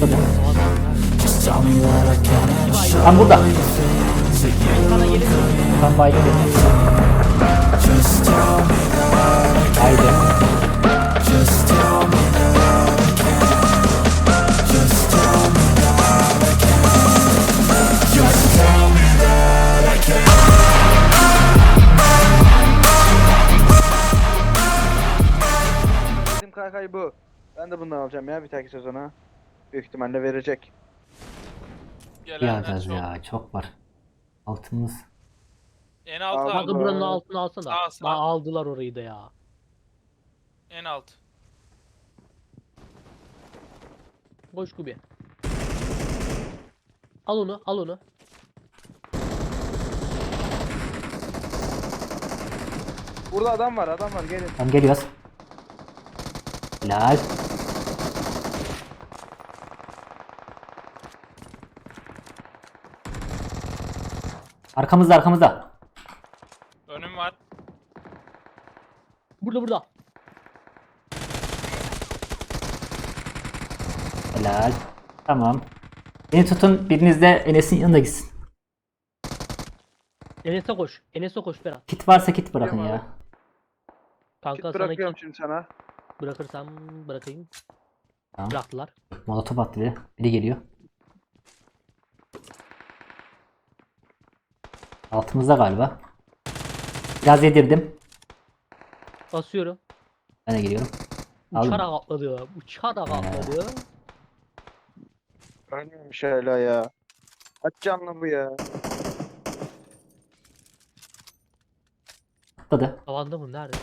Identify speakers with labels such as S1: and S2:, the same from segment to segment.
S1: Tam burada.
S2: Sana gelir mi?
S1: Tam baydı dedi. Haydi.
S3: Bizim kaykay bu. Ben de bundan alacağım ya bir dahaki sezona. Büyük ihtimalle verecek.
S4: Gelenler
S1: Yağacağız
S4: çok.
S1: ya. Çok var. Altımız.
S4: En alt
S3: Aldım.
S4: abi.
S2: Kanka buranın altını alsana.
S4: Sağ, sağ.
S2: Daha aldılar orayı da ya.
S4: En alt.
S2: Koş Kubi. Al onu, al onu.
S3: Burada adam var gelin.
S1: Tam geliyoruz. Helal. Arkamızda arkamızda.
S4: Önüm var.
S2: Burada burada.
S1: Helal. Tamam. Beni tutun. Biriniz de Enes'in yanına gitsin.
S2: Enes'e koş. Enes'e koş Berat.
S1: Kit varsa kit bırakın
S3: Tamam
S1: ya.
S2: Kanka
S3: Kit
S2: sana
S3: bırakıyorum
S2: kit
S3: şimdi sana.
S2: bırakırsam bırakayım.
S1: Tamam.
S2: Bıraktılar.
S1: Molotof attı biri. Biri geliyor. Altımızda galiba. Biraz yedirdim.
S2: Basıyorum.
S1: Ben de geliyorum. Aldım.
S2: Uçarak atladı. Uçarak atladı.
S3: Ölmemiş hala ya. Kaç canlı bu ya.
S1: Atladı.
S2: Tavanda mı? Nerede?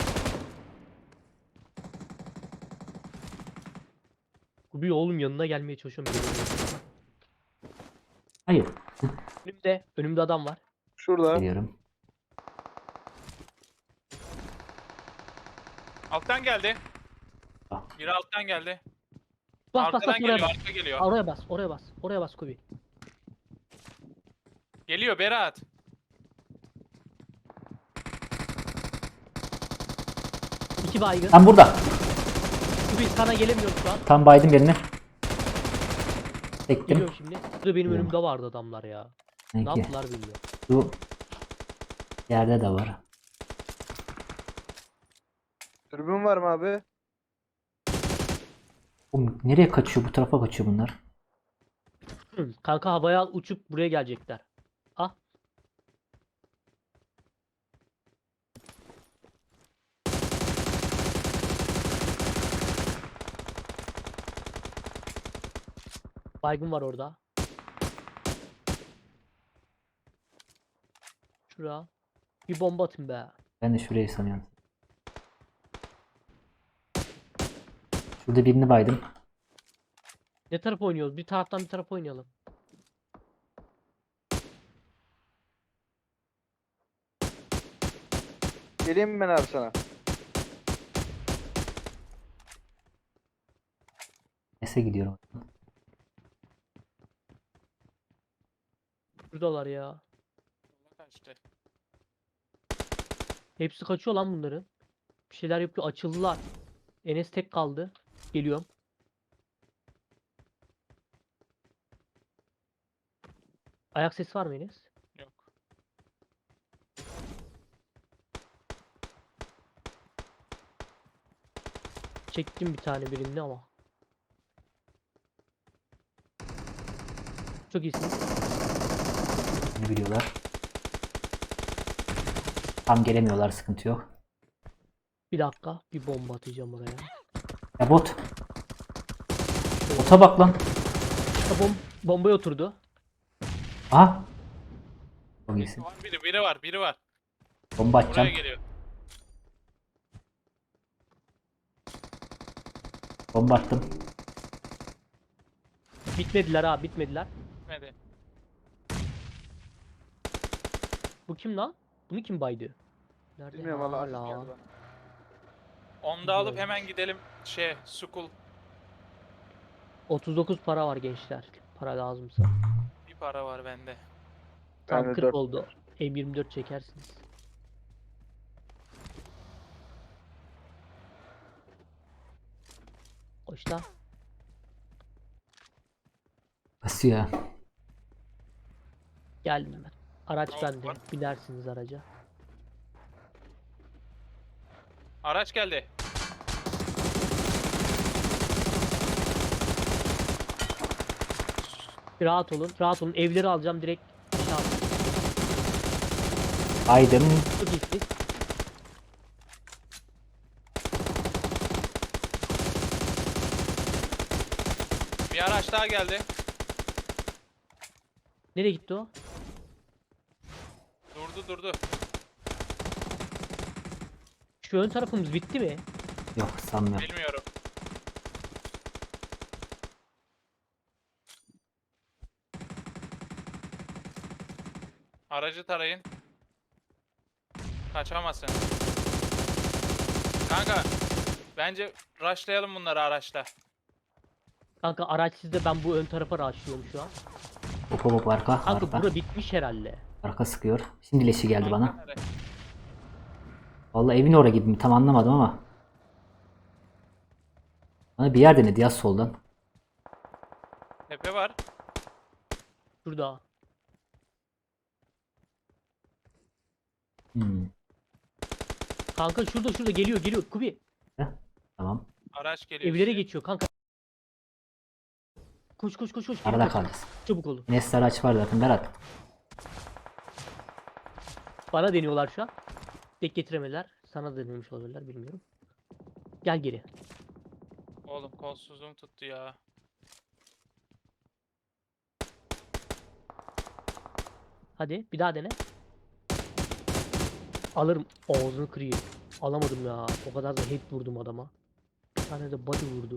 S2: Kubi oğlum yanına gelmeye çalışıyorum. Gelemiyorum.
S1: Hayır.
S2: Önümde adam var.
S3: Şurada.
S1: Geliyorum.
S4: Alttan geldi.
S1: Ah.
S4: Biri alttan geldi.
S2: Bas bas
S4: Arkadan
S2: bas oraya
S4: geliyor,
S2: bas.
S4: arka geliyor.
S2: Oraya bas, oraya bas. Oraya bas Kubi.
S4: Geliyor Berat.
S2: İki baygın.
S1: Tam burada.
S2: Kubi sana gelemiyorum şu an.
S1: Tam baydım birini. Çektim.
S2: Geliyorum şimdi. Burada benim
S1: Tamam.
S2: önümde vardı adamlar ya. Ne
S1: Peki.
S2: yaptılar bilmiyorum.
S1: Şu yerde de var.
S3: Dürbün var mı abi?
S1: Oğlum, nereye kaçıyor? Bu tarafa kaçıyor bunlar.
S2: Kanka havaya uçup buraya gelecekler. Ah. Baygın var orada. Şuraya. Bir bomba atın be.
S1: Ben de şurayı sanıyorum. Şurada birini baydım.
S2: Ne taraf oynuyoruz? Bir taraftan bir taraf oynayalım.
S3: Geleyim mi ben abi sana?
S1: Nese gidiyorum.
S2: Şuradalar ya.
S4: Kaçtı.
S2: Hepsi kaçıyor lan bunların. Bir şeyler yapıyor. Açıldılar. Enes tek kaldı. Geliyorum. Ayak sesi var mı Enes?
S4: Yok.
S2: Çektim bir tane birini ama. Çok iyisin.
S1: Ne biliyorlar. Tam gelemiyorlar. Sıkıntı yok.
S2: Bir dakika. Bir bomba atacağım oraya.
S1: Ya bot. Bota bak lan.
S2: Bombaya oturdu.
S1: Aha. Çok iyisin.
S4: Var biri var, biri var.
S1: Bomba
S4: Buraya
S1: atacağım.
S4: geliyor.
S1: Bomba attım.
S2: Bitmediler ha, bitmediler.
S4: Gitmedi.
S2: Bu kim lan? Bunu kim baydı? Nerede?
S3: Bilmiyorum valla. Arif
S2: Hala.
S3: geldi bana.
S4: Onu da alıp hemen gidelim Sukul.
S2: 39 para var gençler. Para lazımsa.
S4: Bir para var bende.
S2: Tam
S3: Bende
S2: 40
S3: dört
S2: oldu.
S3: var.
S2: M24 çekersiniz. Koş lan.
S1: pusuya.
S2: Geldim ben. Araç
S4: Hop,
S2: bende.
S4: var.
S2: Binersiniz araca.
S4: Araç geldi.
S2: Rahat olun. Rahat olun. Evleri alacağım direkt. Tamam.
S1: Aydın.
S2: Çok iyisiniz.
S4: Bir araç daha geldi.
S2: Nereye gitti o?
S4: Durdu.
S2: Şu ön tarafımız bitti mi?
S1: Yok sanmıyorum.
S4: Bilmiyorum. Aracı tarayın. Kaçamazsın. Kanka bence rushlayalım bunları araçla.
S2: Kanka araç sizde, ben bu ön tarafa rushlıyorum şu an.
S1: Hop hop hop, arka
S2: Kanka
S1: arka.
S2: bura bitmiş herhalde.
S1: Arka sıkıyor. Şimdi leşi geldi
S4: Kanka
S1: bana.
S4: nereye?
S1: Vallahi evin oraya gibi mi tam anlamadım ama. Bana bir yer denedi ya soldan.
S4: Tepe var.
S2: Şurada.
S1: Hmm.
S2: Kanka şurada geliyor Kubi.
S1: Heh, tamam.
S4: Araç geliyor.
S2: Evlere
S4: size.
S2: geçiyor kanka. Koş. Geri
S1: Arada
S2: kaçın.
S1: kalacağız.
S2: Çabuk olun.
S1: Enes'te araç var zaten Berat.
S2: Bana deniyorlar şu an. Tek getiremediler. Sana denemiş olabilirler, bilmiyorum. Gel geri.
S4: Oğlum kolsuzluğum tuttu ya.
S2: Hadi bir daha dene. Alırım. Ağzını kırayım. Alamadım ya. O kadar da head vurdum adama. Bir tane de body vurdu.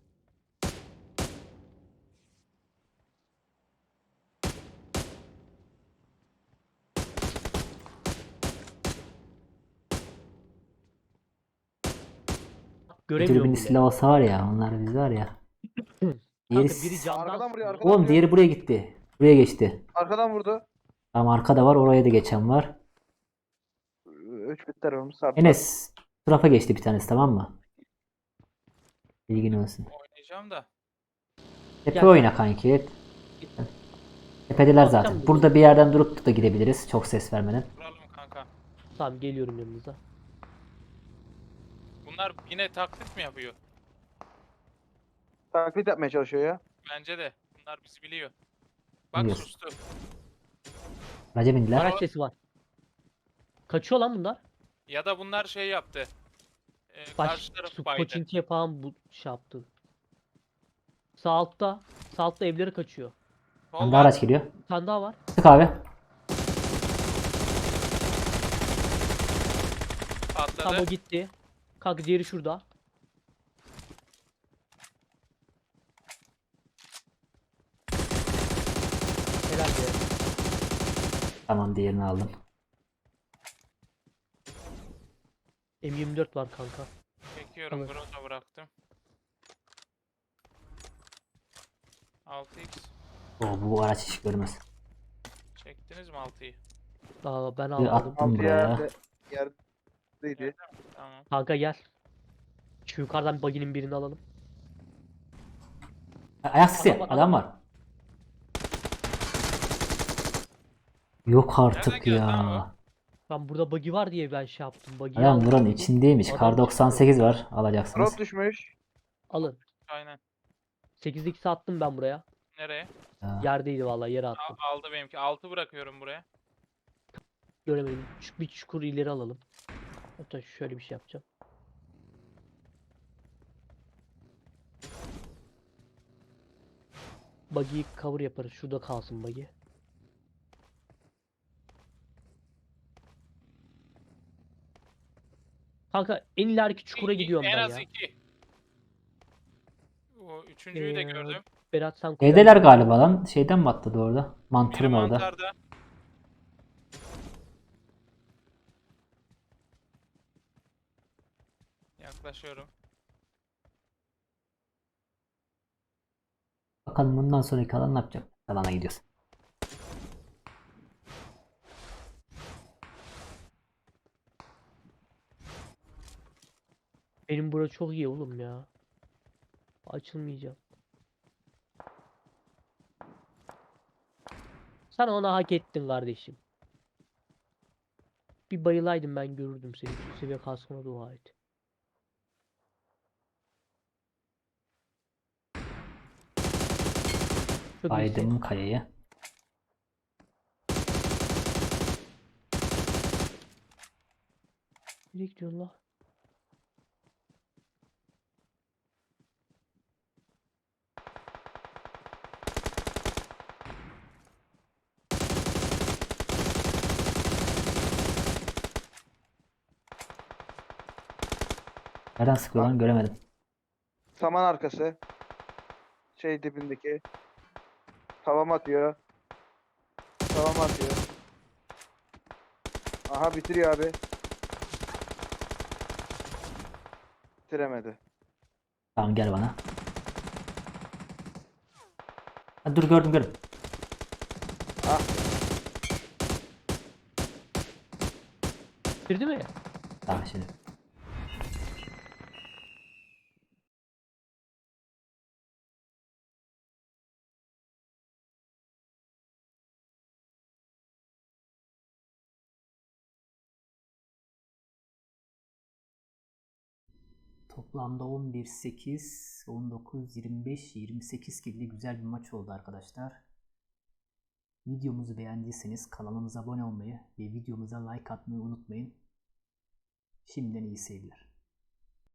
S2: Göremiyorum
S1: Dürbünlü
S2: bile.
S1: silah olsa var ya, onlar biz var ya. Diğeri...
S2: Kanka biri camdan
S3: Arkadan vuruyor,
S2: sıkıyor.
S3: arkadan.
S1: Oğlum diğeri buraya gitti. Buraya geçti.
S3: Arkadan vurdu.
S1: Tamam, arkada var, oraya da geçen var.
S3: 3 bit tarafımız sardı.
S1: Enes bu tarafa geçti bir tanesi, tamam mı? Bilgin olsun.
S4: Oynayacağım da.
S1: Tepe
S2: Gel.
S1: oyna kanki. Tepedeler
S2: Bakacağım
S1: zaten.
S2: bir
S1: Burada bir yerden durup da gidebiliriz. Çok ses vermeden.
S4: Vuralım kanka.
S2: Tamam, geliyorum yanınıza.
S4: Bunlar yine taklit mi yapıyor?
S3: Taklit yapmaya çalışıyor ya.
S4: Bence de. Bunlar bizi biliyor. Bak
S1: Biliyorsun.
S4: sustu.
S1: Araca bindiler.
S2: Araç sesi var. Kaçıyor lan bunlar.
S4: Ya da bunlar şey yaptı.
S2: Baş,
S4: Karşı taraf baydı.
S2: Koçinki'ye falan bu şey yaptı. Sağ altta. Sağ altta evleri kaçıyor.
S4: Sol
S1: Bende
S4: var.
S1: araç geliyor.
S2: Bir tane daha var.
S1: Sık abi.
S4: Patladı.
S2: Tam o gitti. Kanka diğeri şurada. Helal be.
S1: Tamam, diğerini aldım.
S2: M24 var kanka.
S4: Çekiyorum.
S2: Alın.
S4: Groza bıraktım. 6x.
S1: Bu araç hiç görmez.
S4: Çektiniz mi 6'yı?
S2: Aa, ben
S1: Bir
S2: almadım.
S1: attım
S3: Altı
S1: buraya.
S3: yerdeydi.
S4: Tamam.
S2: Kanka gel. Şu yukarıdan baginin birini alalım.
S1: Ayak sesi.
S2: Adam var,
S1: Adam var. Yok
S4: Nereden
S1: artık
S4: geldi lan
S1: ya.
S2: Ben burada bug'i var diye ben şey yaptım. Bug'i
S1: Adam
S2: aldım.
S1: buranın içindeymiş.
S2: Adam
S1: Kar 98 var. Alacaksınız.
S3: Drop düşmüş.
S2: Alın.
S4: Aynen.
S2: 8x attım ben buraya.
S4: Nereye?
S1: Ya.
S2: Yerdeydi vallahi, yere attım.
S4: Aldı benimki. 6 bırakıyorum buraya.
S2: Göremedim. Bir çukur ileri alalım. Hatta şöyle bir şey yapacağım. Buggy'yi cover yaparız. Şurada kalsın buggy. Kanka en ileriki çukura gidiyorum
S4: en
S2: ben
S4: az
S2: ya.
S4: 2. O üçüncüyü de gördüm.
S2: Berat sen
S1: Evdeler galiba lan. Şeyden mi atladı orada?
S4: Biri
S1: Mantırın orada.
S4: mantarda. Yaklaşıyorum.
S1: Bakalım bundan sonraki alan ne yapacak? Alana gidiyoruz.
S2: Benim bura çok iyi oğlum ya. Açılmayacağım. Sen onu hak ettin kardeşim. Bir bayılaydım ben görürdüm seni. Üst seviye kaskına dua et. Çok iyisin.
S1: Baydım kayayı.
S2: Nereye gidiyorsun la?
S1: Nereden sıkıyor lan göremedim.
S3: Saman arkası. Şey dibindeki. Tavam atıyor. Tavam atıyor. Aha bitiriyor abi. Bitiremedi.
S1: Tamam gel bana. Ha, dur gördüm gördüm.
S3: Ah
S2: Bitirdi mi?
S1: Tamam şimdi. Toplamda 11, 8, 19, 25, 28 killi güzel bir maç oldu arkadaşlar. Videomuzu beğendiyseniz kanalımıza abone olmayı ve videomuza like atmayı unutmayın. Şimdiden iyi seyirler.